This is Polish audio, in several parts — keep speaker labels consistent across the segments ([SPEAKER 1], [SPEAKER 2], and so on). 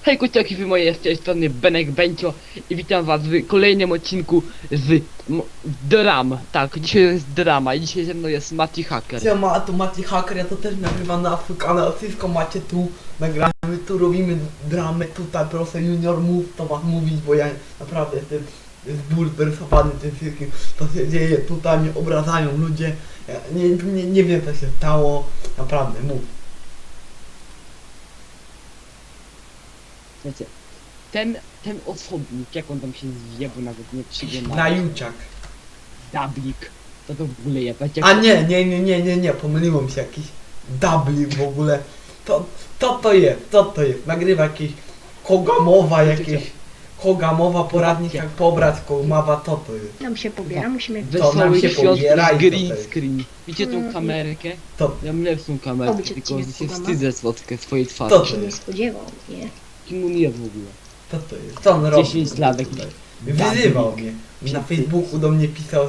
[SPEAKER 1] Hej kociaki, wy moje, z tej strony Benek Bencio i witam was w kolejnym odcinku z dram. Tak, dzisiaj jest drama i dzisiaj ze mną jest Mati Hacker.
[SPEAKER 2] Siema, to Mati Hacker, ja to też nagrywam na swój kanał, wszystko macie tu, nagramy, tu robimy dramy, tutaj proszę Junior mów, to was mówić, bo ja naprawdę jestem zbulwersowany tym wszystkim, co się dzieje, tutaj mnie obrażają ludzie, ja nie wiem co się stało, naprawdę, mów.
[SPEAKER 1] Wiecie, ten osobnik, jak on tam się zwie, bo nawet nie przygląda.
[SPEAKER 2] Na Juciak.
[SPEAKER 1] Dablik. To w ogóle jest.
[SPEAKER 2] A nie, pomyliłem się, jakiś dublik w ogóle, to jest, nagrywa jakieś Kogamowa, Kogamowa poradnik jak pobrać Kogamowa, to jest.
[SPEAKER 3] Nam się pobiera, musimy...
[SPEAKER 2] To nam
[SPEAKER 1] Wesoły
[SPEAKER 2] się
[SPEAKER 1] świąt
[SPEAKER 2] pobiera i
[SPEAKER 1] z
[SPEAKER 2] to
[SPEAKER 1] green
[SPEAKER 2] jest.
[SPEAKER 1] screen. Widzicie tą kamerkę?
[SPEAKER 2] To,
[SPEAKER 1] Ja mam lepszą kamerkę,
[SPEAKER 3] Obyć
[SPEAKER 1] tylko
[SPEAKER 3] odcinek
[SPEAKER 1] się
[SPEAKER 3] Kugama.
[SPEAKER 1] wstydzę słodkę swojej twarzy.
[SPEAKER 2] To
[SPEAKER 3] się nie spodziewał, nie?
[SPEAKER 1] Kim on jest w ogóle?
[SPEAKER 2] to jest, co on robi?
[SPEAKER 1] 10 lat jakiś
[SPEAKER 2] Wyzywał
[SPEAKER 1] dublik.
[SPEAKER 2] mnie. Na Facebooku do mnie pisał,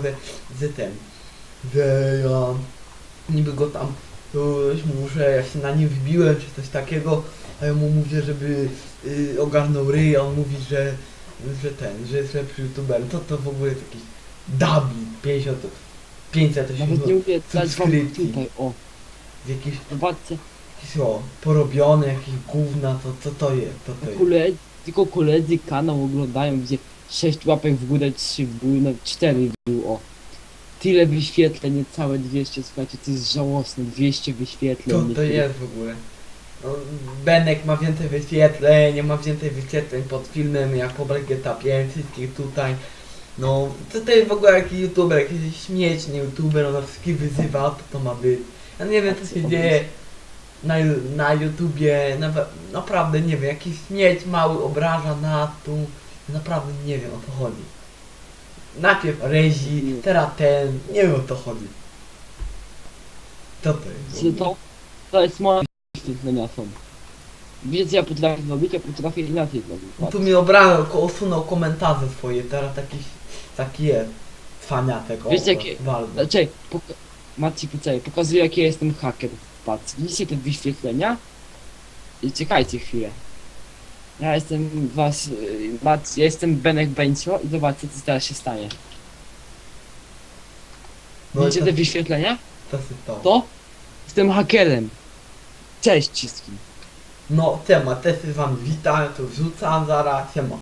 [SPEAKER 2] że ja niby go tam muszę, ja się na nim wbiłem czy coś takiego, a ja mu mówię, żeby ogarnął ryj, a on mówi, że jest lepszy youtuberem. To w ogóle jest jakiś dubbing, 500
[SPEAKER 1] Nawet nie mówię, dać wam
[SPEAKER 2] subskrypcji.
[SPEAKER 1] tutaj, o.
[SPEAKER 2] Jakieś,
[SPEAKER 1] Zobaczcie,
[SPEAKER 2] porobione, jakieś gówna, to jest, to jest.
[SPEAKER 1] tylko koledzy kanał oglądają, gdzie 6 łapek w górę, 3 w górę, no 4 w dół, o. Tyle wyświetleń, niecałe 200, słuchajcie, to jest żałosne, 200 wyświetleń.
[SPEAKER 2] To jest w ogóle. No, Benek ma więcej wyświetleń, ma więcej wyświetleń pod filmem jak po GTA 5, wszystkich tutaj. No, to jest w ogóle jakiś youtuber, jakiś śmieszny youtuber, on wszystkich wyzywa, to ma być. Ja nie wiem co się dzieje na YouTubie, naprawdę nie wiem, jakiś śmieć mały obraża nas tu, naprawdę nie wiem o co chodzi. Najpierw Rezi, teraz ten, nie wiem o co chodzi. Co to jest?
[SPEAKER 1] Czy to jest moje wyświetlenia są. Wiecie co ja potrafię zrobić? Ja potrafię inaczej zrobić.
[SPEAKER 2] No tu mi obrażał, usunął komentarze swoje, teraz taki jest cwaniatek,
[SPEAKER 1] Wiecie, jakie-
[SPEAKER 2] bardzo.
[SPEAKER 1] Znaczy, Maci, pokazuję jaki ja jestem haker. Patrz, widzicie te wyświetlenia? I czekajcie chwilę. Ja jestem ja jestem Benek Bencio i zobaczcie co teraz się stanie.
[SPEAKER 2] No i
[SPEAKER 1] Widzicie te wyświetlenia?
[SPEAKER 2] to się stało.
[SPEAKER 1] To? Jestem hakerem. Cześć wszystkim.
[SPEAKER 2] No, siema, też z wami witam, to wrzucam zaraz, siema.